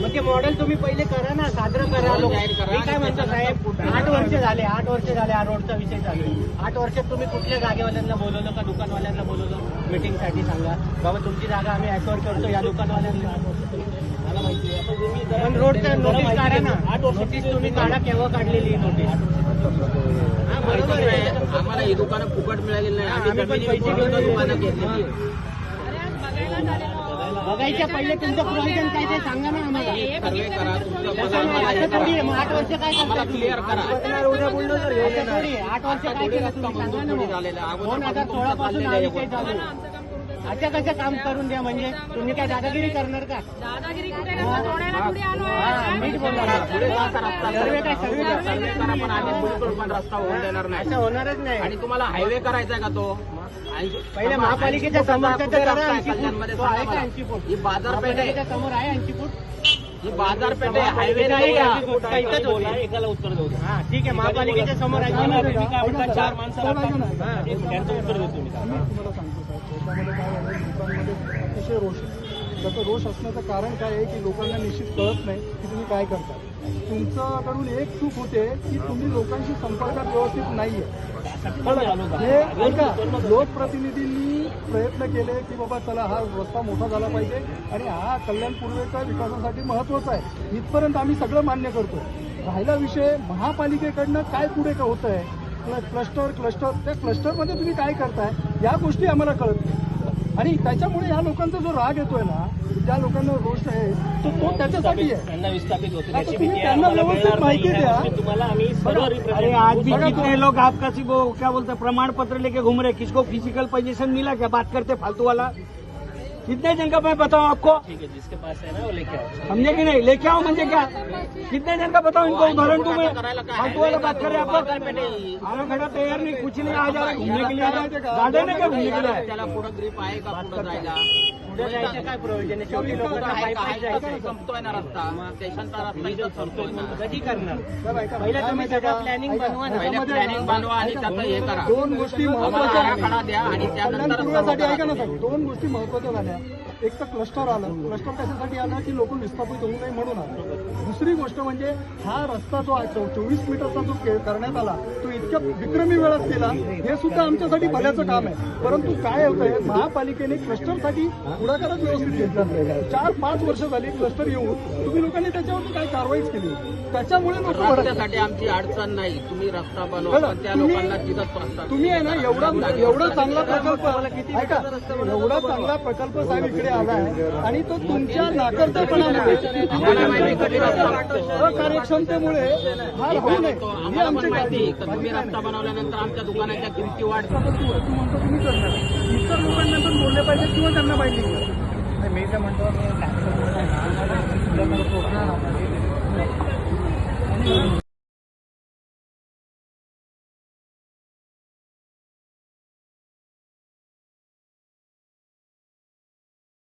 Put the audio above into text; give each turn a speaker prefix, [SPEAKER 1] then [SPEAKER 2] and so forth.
[SPEAKER 1] म्हणजे मॉडेल तुम्ही पहिले करा ना, साजरं करा. मी काय म्हणतो साहेब, 8 वर्ष झाले हा रोडचा विषय चालू आहे. 8 वर्षात तुम्ही कुठल्या जागेवाल्यांना बोलवलं का दुकानवाल्यांना बोलवलं मीटिंगसाठी? सांगा बाबा, तुमची जागा आम्ही ऍक्वायर करतो या दुकानवाल्यांना. मला माहिती आहे, पण रोडचा नोटीस काढा ना. 8 नोटीस तुम्ही काढा, केव्हा काढलेली नोटीस? बरोबर आहे,
[SPEAKER 2] आम्हाला ही दुकानं फुकट मिळालेली नाही. आम्ही पैसे घेऊन दुकानं घेतलेली.
[SPEAKER 1] बघायच्या पहिले तुमचं प्रोव्हिजन काय ते सांगा ना आम्हाला.
[SPEAKER 2] सर्वे करा, तुमचं
[SPEAKER 1] असं थोडी आहे, मग 8 वर्ष काय
[SPEAKER 2] आम्हाला क्लिअर करा.
[SPEAKER 1] उद्या बोललो तर थोडी 8 वर्ष काय केलं तुम्ही सांगा ना. 2016 पासून हा विषय चालू आहे. अच्छा कसं काम करून द्या म्हणजे तुम्ही काय दादागिरी करणार का?
[SPEAKER 3] दादागिरी कुठे करणार? पुढे आलो
[SPEAKER 1] मीच बोलणार.
[SPEAKER 2] पुढे जायचा रस्ता
[SPEAKER 1] सर्वे काय सर्वे
[SPEAKER 2] सर्वे करा, पण आम्ही बिलकुल पण रस्ता होऊन देणार नाही.
[SPEAKER 1] असं होणारच नाही.
[SPEAKER 2] आणि तुम्हाला हायवे करायचा का तो?
[SPEAKER 1] पहिले महापालिकेच्या समोरच्या तर करा 80 फूट.
[SPEAKER 2] कल्याणमध्ये
[SPEAKER 1] तो आहे का 80 फूट?
[SPEAKER 2] ही बाजारपेठ आहे,
[SPEAKER 1] महापालिकेच्या समोर आहे 80 फूट.
[SPEAKER 2] ही बाजारपेठ आहे, हायवे नाही का?
[SPEAKER 1] इथंच होती.
[SPEAKER 4] एकाला उत्तर देऊ.
[SPEAKER 1] हा ठीक आहे, महापालिकेच्या समोर आहे.
[SPEAKER 4] मी काय म्हणतात, 4 माणसं लागतात.
[SPEAKER 1] हा.
[SPEAKER 4] त्यांचं उत्तर देतो मी.
[SPEAKER 5] तुम्हाला सांगतो साहेब, त्याच्यामध्ये काय झालं, लोकांमध्ये अतिशय रोष आहे. त्याचं रोष असण्याचं कारण काय आहे की लोकांना निश्चित कळत नाही की तुम्ही काय करता. तुमच्याकडून एक चूक होते की तुम्ही लोकांशी संपर्कात व्यवस्थित नाहीये. हे ऐका, लोकप्रतिनिधींनी प्रयत्न केले की बाबा चला हा रस्ता मोठा झाला पाहिजे आणि हा कल्याण पूर्वेच्या विकासासाठी महत्वाचा आहे, इथपर्यंत आम्ही सगळं मान्य करतो. राहिला विषय महापालिकेकडनं काय पुढे का होत आहे, क्लस्टर त्या क्लस्टरमध्ये तुम्ही काय करताय या गोष्टी आम्हाला कळत नाही. आणि त्याच्यामुळे या लोकांचा जो राग येतोय ना, ज्या लोकांना रोष आहे तो त्याच्यासाठी आहे.
[SPEAKER 4] त्यांना विस्थापित होते,
[SPEAKER 5] आता
[SPEAKER 4] त्याची
[SPEAKER 5] तुम्ही
[SPEAKER 4] भीती आहे.
[SPEAKER 5] त्यांना
[SPEAKER 4] आम्हाला
[SPEAKER 5] व्यवस्थित
[SPEAKER 4] मिळणार
[SPEAKER 5] माहिती
[SPEAKER 4] नाही.
[SPEAKER 5] द्या.
[SPEAKER 4] तुम्हाला आम्ही सर्व
[SPEAKER 6] अरे
[SPEAKER 4] रिप्रेझेंट
[SPEAKER 6] आज भी
[SPEAKER 5] बघा
[SPEAKER 6] कितने
[SPEAKER 5] तो-
[SPEAKER 6] लोग आप किसी को क्या बोलते हैं प्रमाण पत्र लेके घूम रहे, किसको फिजिकल पोजीशन मिला क्या? बात करते फालतू वाला. कितने जन का मैं बताऊं आपको?
[SPEAKER 4] ठीक है, जिसके पास है ना वो लेके आओ.
[SPEAKER 6] समझे कि नहीं? लेके आओ म्हणजे क्या? कितने जन का बताओ इनको? उदाहरण दूं मैं? फालतू वाला बात कर रहे हैं आप लोग. आना खड़ा तैयार नहीं, कुछ नहीं. आ जा रहे घूमने के लिए, आ रहे गार्डन है क्या घूमने के लिए?
[SPEAKER 2] त्याला पुढे ग्रीप आहे का पुढे जायला?
[SPEAKER 1] पुढे जायचं काय प्रोव्हिजन आहे? शेवटी लोकांना पायी पायी जायचं.
[SPEAKER 2] संपतोय ना रस्ता, स्टेशनचा रस्ता इथं संपतोय ना.
[SPEAKER 1] कधी करणार?
[SPEAKER 5] साहेब, ऐका,
[SPEAKER 1] पहिलं
[SPEAKER 5] काय
[SPEAKER 1] तुम्ही
[SPEAKER 5] माहिती आहे
[SPEAKER 1] सगळं
[SPEAKER 5] का?
[SPEAKER 1] प्लॅनिंग
[SPEAKER 5] ऐका,
[SPEAKER 1] बनवा ना.
[SPEAKER 2] पहिले प्लॅनिंग बनवा आणि त्याचं हे करा.
[SPEAKER 5] दोन गोष्टी
[SPEAKER 2] आम्हाला
[SPEAKER 5] महत्वाच्या
[SPEAKER 2] आराखडा द्या आणि
[SPEAKER 5] कल्याण
[SPEAKER 2] त्यानंतर
[SPEAKER 5] पूर्वेसाठी ऐका ना साहेब, दोन गोष्टी महत्वाच्या झाल्या. एक तर क्लस्टर आलं. क्लस्टर कशासाठी आलं की लोक विस्थापित होऊ नये म्हणून आलं. दुसरी गोष्ट म्हणजे हा रस्ता जो 24 मीटरचा जो करण्यात आला तो इतक्या विक्रमी वेळात केला, हे सुद्धा आमच्यासाठी भल्याचं काम आहे. परंतु काय होतंय, महापालिकेने क्लस्टरसाठी पुढाकारच व्यवस्थित घेतला नाही. 4-5 वर्ष झाली क्लस्टर येऊन तुम्ही लोकांनी त्याच्यावरती काय कारवाईच केली. त्याच्यामुळे लोक भडकले.
[SPEAKER 2] रस्त्यासाठी आमची अडचण नाही, तुम्ही रस्ता बनवा, पण त्या लोकांना तिथंच प्रस्ताव.
[SPEAKER 5] तुम्ही आहे ना एवढा चांगला प्रकल्प, ऐका, एवढा चांगला प्रकल्प साहेब इकडे आलाय आणि तो तुमच्या नाकर्तेपणामुळे,
[SPEAKER 2] आम्हाला माहिती कधी रस्ता
[SPEAKER 5] अकार्यक्षमतेमुळे हा राहू नये ही
[SPEAKER 2] आम्हाला पण
[SPEAKER 5] आमची
[SPEAKER 2] माहिती
[SPEAKER 5] काळजी.
[SPEAKER 2] का तुम्ही रस्ता बनवल्यानंतर आमच्या दुकानाच्या किमती वाढतात.
[SPEAKER 5] तू म्हणतो तुम्ही करणार, इतर लोकांना पण बोलले पाहिजे किंवा त्यांना माहिती
[SPEAKER 1] मी तर म्हणतो मी